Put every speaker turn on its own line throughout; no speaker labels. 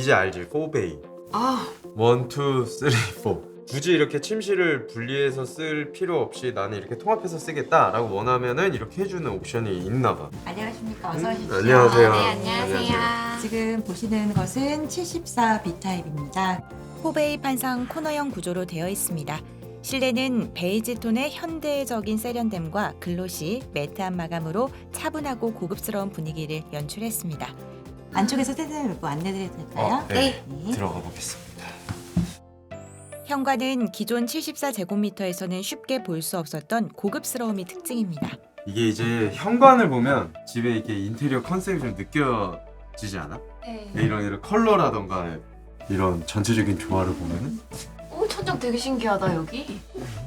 알지 4베이.
아,
1, 2, 3, 4. 굳이 이렇게 침실을 분리해서 쓸 필요 없이 나는 이렇게 통합해서 쓰겠다라고 원하면은 이렇게 해주는 옵션이 있나봐.
안녕하십니까. 어서 오십시오.
안녕하세요.
네, 안녕하세요.
지금 보시는 것은 74 B타입입니다.
포베이 판상 코너형 구조로 되어 있습니다. 실내는 베이지 톤의 현대적인 세련됨과 글로시, 매트한 마감으로 차분하고 고급스러운 분위기를 연출했습니다.
안쪽에서 세세히 뭐 안내드려도 될까요?
네.
네.
들어가 보겠습니다.
현관은 기존 74제곱미터에서는 쉽게 볼 수 없었던 고급스러움이 특징입니다.
이게 이제 현관을 보면 집에 이게 인테리어 컨셉이 좀 느껴지지 않아?
네.
이런 컬러라던가 이런 전체적인 조화를 보면은
오, 천장 되게 신기하다 여기.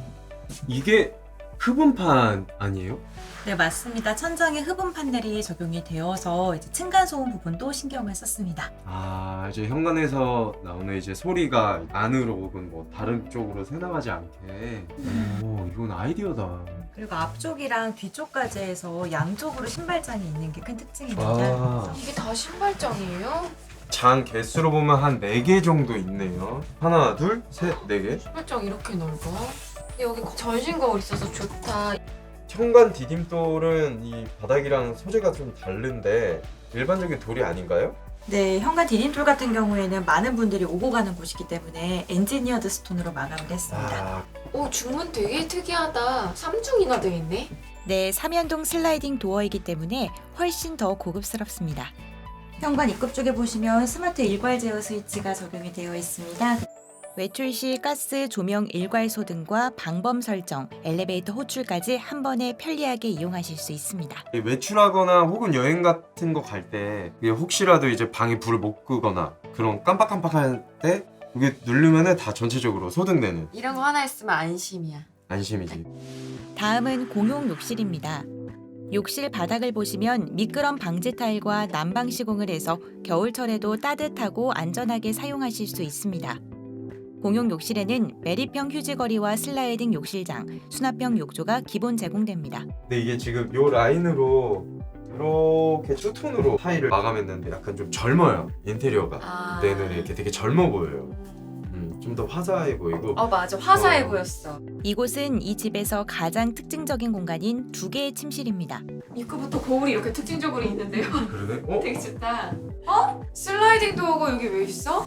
이게 흡음판 아니에요?
네, 맞습니다. 천장에 흡음 판넬이 적용이 되어서 이제 층간 소음 부분도 신경을 썼습니다.
아 이제 현관에서 나오는 이제 소리가 안으로 혹은 뭐 다른 쪽으로 새나가지 않게. 오 이건 아이디어다.
그리고 앞쪽이랑 뒤쪽까지 해서 양쪽으로 신발장이 있는 게 큰 특징입니다.
아.
이게 다 신발장이에요?
장 개수로 보면 한 4개 정도 있네요. 하나, 둘, 셋, 4개.
신발장 이렇게 넓어? 근데 여기 전신 거울 있어서 좋다.
현관 디딤돌은 이 바닥이랑 소재가 좀 다른데 일반적인 돌이 아닌가요?
네, 현관 디딤돌 같은 경우에는 많은 분들이 오고 가는 곳이기 때문에 엔지니어드 스톤으로 마감을 했습니다.
아,
오, 중문 되게 특이하다. 3중이나 돼 있네.
네, 3연동 슬라이딩 도어이기 때문에 훨씬 더 고급스럽습니다.
현관 입구 쪽에 보시면 스마트 일괄 제어 스위치가 적용이 되어 있습니다.
외출 시 가스, 조명 일괄소 등과 방범 설정, 엘리베이터 호출까지 한 번에 편리하게 이용하실 수 있습니다.
외출하거나 혹은 여행 같은 거 갈 때 혹시라도 이제 방에 불을 못 끄거나 그런 깜빡깜빡할 때 이게 누르면은 다 전체적으로 소등되는
이런 거 하나 있으면 안심이야.
안심이지.
다음은 공용 욕실입니다. 욕실 바닥을 보시면 미끄럼 방지 타일과 난방 시공을 해서 겨울철에도 따뜻하고 안전하게 사용하실 수 있습니다. 공용 욕실에는 매립형 휴지거리와 슬라이딩 욕실장, 수납형 욕조가 기본 제공됩니다.
근데 이게 지금 요 라인으로 이렇게 투톤으로 타일을 마감했는데 약간 좀 젊어요. 인테리어가.
아.
내는 이렇게 되게 젊어 보여요. 좀 더 화사해 보이고.
맞아. 화사해
어.
보였어.
이곳은 이 집에서 가장 특징적인 공간인 2개의 침실입니다.
입구부터 거울이 이렇게 특징적으로 있는데요.
그러네? 어?
되게 좋다. 슬라이딩 도어가 여기 왜 있어?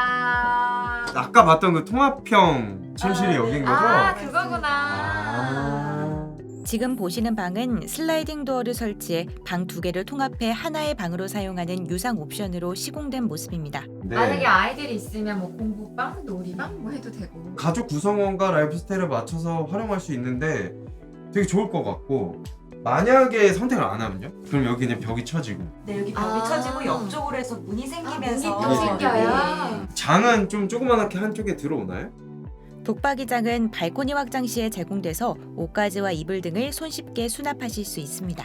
와.
아까 봤던 그 통합형 침실이
네.
여긴 거죠?
아, 그거구나.
아.
지금 보시는 방은 슬라이딩 도어를 설치해 방 2개를 통합해 하나의 방으로 사용하는 유상 옵션으로 시공된 모습입니다.
네.
만약에 아이들이 있으면 뭐 공부방, 놀이방 뭐 해도 되고.
가족 구성원과 라이프 스타일을 맞춰서 활용할 수 있는데 되게 좋을 것 같고 만약에 선택을 안 하면요? 그럼 여기 그냥 벽이 쳐지고
네, 여기 벽이
아.
쳐지고 옆쪽으로 해서 문이 생기면서
문이 또 생겨요?
장은 좀 조그맣게 한쪽에 들어오나요?
독박이장은 발코니 확장 시에 제공돼서 옷가지와 이불 등을 손쉽게 수납하실 수 있습니다.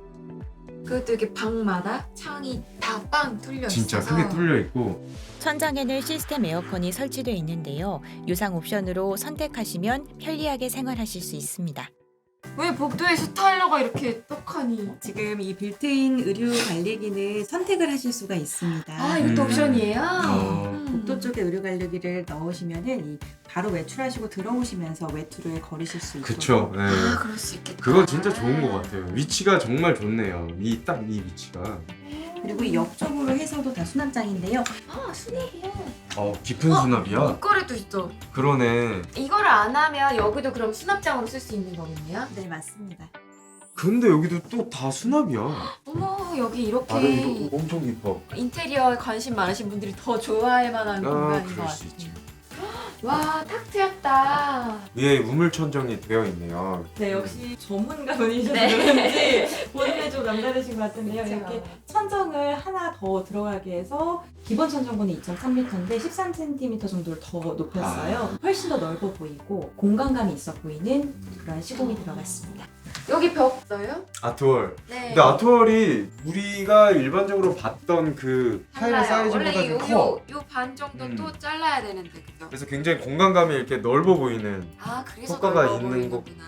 그것도 이렇게 방마다 창이 다 빵 뚫려 있어서
진짜 크게 뚫려 있고
천장에는 시스템 에어컨이 설치되어 있는데요. 유상 옵션으로 선택하시면 편리하게 생활하실 수 있습니다.
왜 복도에 스타일러가 이렇게 떡하니?
지금 이 빌트인 의류 관리기는 선택을 하실 수가 있습니다.
아, 이것도 옵션이에요?
복도 쪽에 의류 관리기를 넣으시면은 이 바로 외출하시고 들어오시면서 외투를 거리실 수 있도록.
그쵸. 네.
아, 그럴 수 있겠다.
그거 진짜 좋은 것 같아요. 위치가 정말 좋네요. 딱 이 위치가.
그리고 이 옆쪽으로 해서도 다 수납장인데요.
아, 수납이야.
깊은 수납이야?
옷걸이도 있어.
그러네.
이거를 안 하면 여기도 그럼 수납장으로 쓸 수 있는 거겠네요?
네, 맞습니다.
근데 여기도 또 다 수납이야.
어머, 여기 이렇게
이거 엄청 깊어.
인테리어에 관심 많으신 분들이 더 좋아할 만한 공간인 것
그럴 수
같아요.
있지.
와, 탁 트였다.
위에 우물천정이 되어 있네요.
네, 역시 전문가분이셔서
네.
그런지 본인이 좀 남다르신 것 같은데요.
그쵸.
이렇게 천정을 하나 더 들어가게 해서 기본 천정고는 2.3m인데 13cm 정도를 더 높였어요. 훨씬 더 넓어 보이고 공간감이 있어 보이는 그런 시공이 들어갔습니다.
여기 벽 써요?
아트월.
네.
근데 아트월이 우리가 일반적으로 봤던 그 타일 사이즈보다
원래
좀 커.
요 반 정도
음.
또 잘라야 되는데 그죠?
그래서 굉장히 공간감이 이렇게 넓어 보이는.
아, 그래서
효과가
넓어
있는 거.
보이는구나.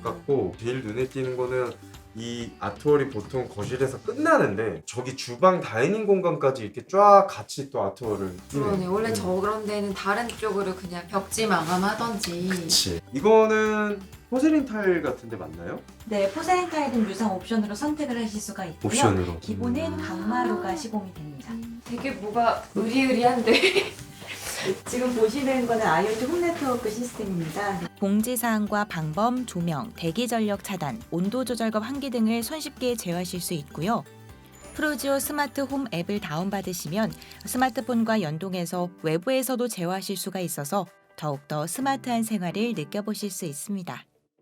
같고 제일 눈에 띄는 거는 이 아트월이 보통 거실에서 끝나는데 저기 주방 다이닝 공간까지 이렇게 쫙 같이 또 아트월을
그러네. 원래 저런 데는 다른 쪽으로 그냥 벽지 마감하던지.
그치. 이거는 포세린 타일 같은데 맞나요?
네, 포세린 타일은 유상 옵션으로 선택을 하실 수가 있고요.
옵션으로.
기본은 강마루가 시공이 됩니다.
되게 뭐가 의리의리한데.
지금 보시는 거는 IoT 홈 네트워크 시스템입니다.
공지사항과 방범, 조명, 대기 전력 차단, 온도 조절과 환기 등을 손쉽게 제어하실 수 있고요. 프로지오 스마트 홈 앱을 다운받으시면 스마트폰과 연동해서 외부에서도 제어하실 수가 있어서 더욱더 스마트한 생활을 느껴보실 수 있습니다.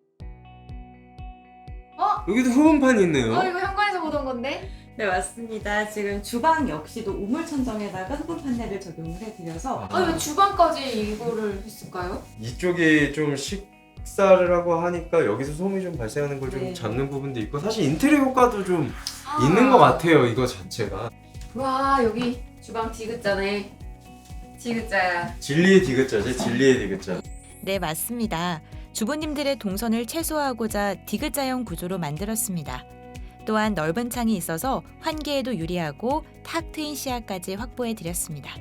여기도 흡음판이 있네요.
이거 현관에서 보던 건데?
네, 맞습니다. 지금 주방 역시도 우물 천정에다가 흡음 판넬을 적용을 해드려서
왜 주방까지 이거를 했을까요?
이쪽에 좀 식사를 하고 하니까 여기서 소음이 좀 발생하는 걸 좀
네.
잡는 부분도 있고 사실 인테리어 효과도 좀 있는 것 같아요. 이거 자체가
와, 여기 주방 디귿자네. 디귿자야.
진리의 디귿자지. 진리의 디귿자.
네, 맞습니다. 주부님들의 동선을 최소화하고자 디귿자형 구조로 만들었습니다. 또한 넓은 창이 있어서 환기에도 유리하고 탁 트인 시야까지 확보해 드렸습니다.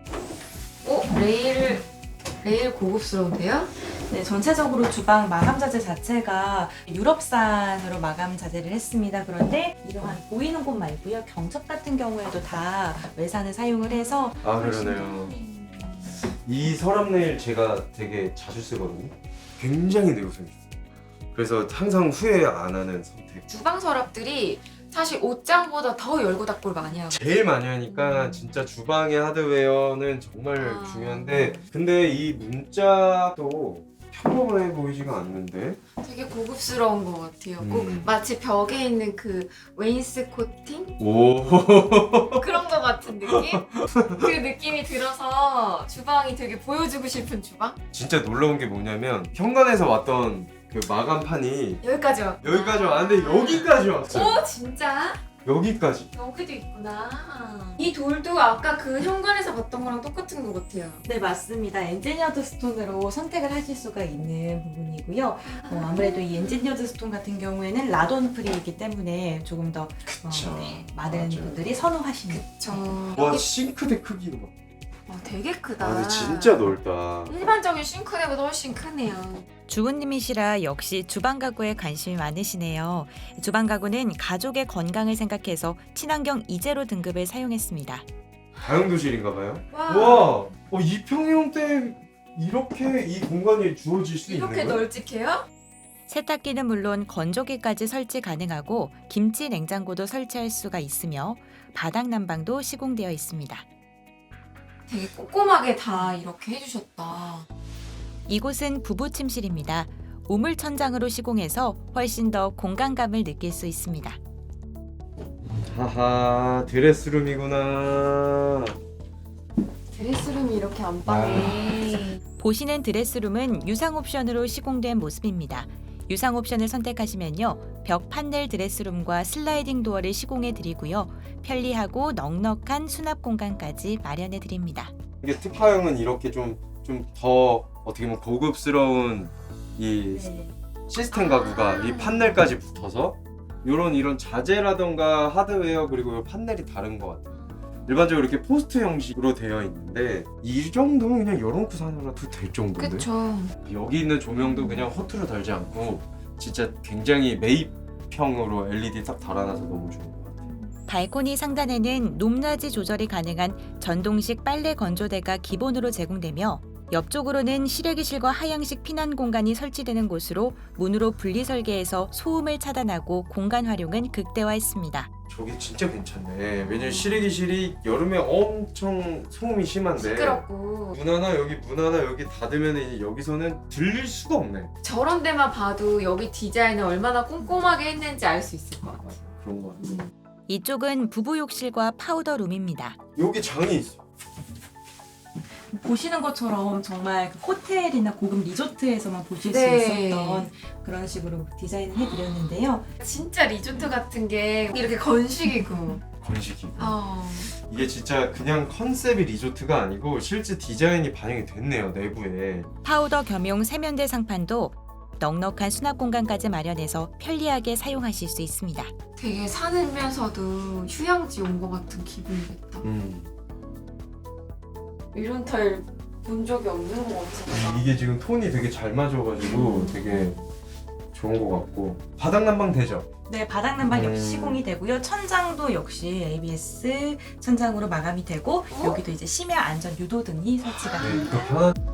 레일 고급스러운데요?
네, 전체적으로 주방 마감 자재 자체가 유럽산으로 마감 자재를 했습니다. 그런데 이러한 보이는 곳 말고요. 경첩 같은 경우에도 다 외산을 사용을 해서
아 그러네요. 이 서랍 네일 제가 되게 자주 쓰거든요. 굉장히 내구성이 좋아요. 그래서 항상 후회 안 하는 선택.
주방 서랍들이 사실 옷장보다 더 열고 닫고를 많이 하고.
제일 많이 하니까 진짜 주방의 하드웨어는 정말 중요한데 근데 이 문짝도 평범해 보이지가 않는데
되게 고급스러운 것 같아요. 꼭 마치 벽에 있는 그 웨인스코팅?
오
그런 것 같은 느낌? 그 느낌이 들어서 주방이 되게 보여주고 싶은 주방?
진짜 놀라운 게 뭐냐면 현관에서 왔던 그 마감판이
여기까지 왔.
여기까지 왔는데 여기까지 왔어요.
오, 진짜?
여기까지.
여기도 있구나. 이 돌도 아까 그 현관에서 봤던 거랑 똑같은 것 같아요.
네, 맞습니다. 엔지니어드 스톤으로 선택을 하실 수가 있는 부분이고요. 아무래도 이 엔지니어드 스톤 같은 경우에는 라돈 프리이기 때문에 조금 더
그쵸.
많은
맞아요.
분들이 선호하시는.
저
와 싱크대 크기가 봐.
되게 크다.
아 근데 진짜 넓다.
일반적인 싱크대보다 훨씬 크네요.
주부님이시라 역시 주방 가구에 관심이 많으시네요. 주방 가구는 가족의 건강을 생각해서 친환경 이제로 등급을 사용했습니다.
다용도실인가 봐요.
와,
와, 이 평형대 이렇게 이 공간이 주어질 수 있는
이렇게
거예요?
널찍해요?
세탁기는 물론 건조기까지 설치 가능하고 김치 냉장고도 설치할 수가 있으며 바닥 난방도 시공되어 있습니다.
되게 꼼꼼하게 다 이렇게 해주셨다.
이곳은 부부 침실입니다. 우물 천장으로 시공해서 훨씬 더 공간감을 느낄 수 있습니다.
하하 드레스룸이구나.
드레스룸이 이렇게 안방에.
보시는 드레스룸은 유상 옵션으로 시공된 모습입니다. 유상 옵션을 선택하시면요. 벽 판넬 드레스룸과 슬라이딩 도어를 시공해 드리고요. 편리하고 넉넉한 수납 공간까지 마련해 드립니다.
이게 특화형은 이렇게 좀 더 어떻게 보면 고급스러운 이
네.
시스템 가구가 이 판넬까지 붙어서 이런 자재라던가 하드웨어 그리고 이 판넬이 다른 것 같아요. 일반적으로 이렇게 포스트 형식으로 되어 있는데 이 정도면 그냥 열어놓고 사느라도 될 정도인데
그쵸.
여기 있는 조명도 그냥 허투루 달지 않고 진짜 굉장히 매입형으로 LED 딱 달아놔서 너무 좋은 것 같아요.
발코니 상단에는 높낮이 조절이 가능한 전동식 빨래 건조대가 기본으로 제공되며 옆쪽으로는 실외기실과 하향식 피난 공간이 설치되는 곳으로 문으로 분리 설계해서 소음을 차단하고 공간 활용은 극대화했습니다.
저게 진짜 괜찮네. 왜냐면 실외기실이 여름에 엄청 소음이 심한데
시끄럽고.
문 하나 여기 닫으면 여기서는 들릴 수가 없네.
저런 데만 봐도 여기 디자인을 얼마나 꼼꼼하게 했는지 알 수 있을 것 같아요.
그런 것 같아.
이쪽은 부부 욕실과 파우더 룸입니다.
여기 장이 있어.
보시는 것처럼 정말 그 호텔이나 고급 리조트에서만 보실
네.
수 있었던 그런 식으로 디자인을 해드렸는데요.
진짜 리조트 같은 게 이렇게 건식이고.
건식이.
네.
이게 진짜 그냥 컨셉이 리조트가 아니고 실제 디자인이 반영이 됐네요 내부에.
파우더 겸용 세면대 상판도 넉넉한 수납 공간까지 마련해서 편리하게 사용하실 수 있습니다.
되게 산이면서도 휴양지 온 것 같은 기분이겠다. 이런 타일 본 적이 없는 것 같아.
이게 지금 톤이 되게 잘 맞아가지고 되게 좋은 것 같고 바닥 난방 되죠?
네, 바닥 난방 역시 시공이 되고요. 천장도 역시 ABS 천장으로 마감이 되고 여기도 이제 심야 안전 유도등이 설치가
네,
됩니다.
또 편한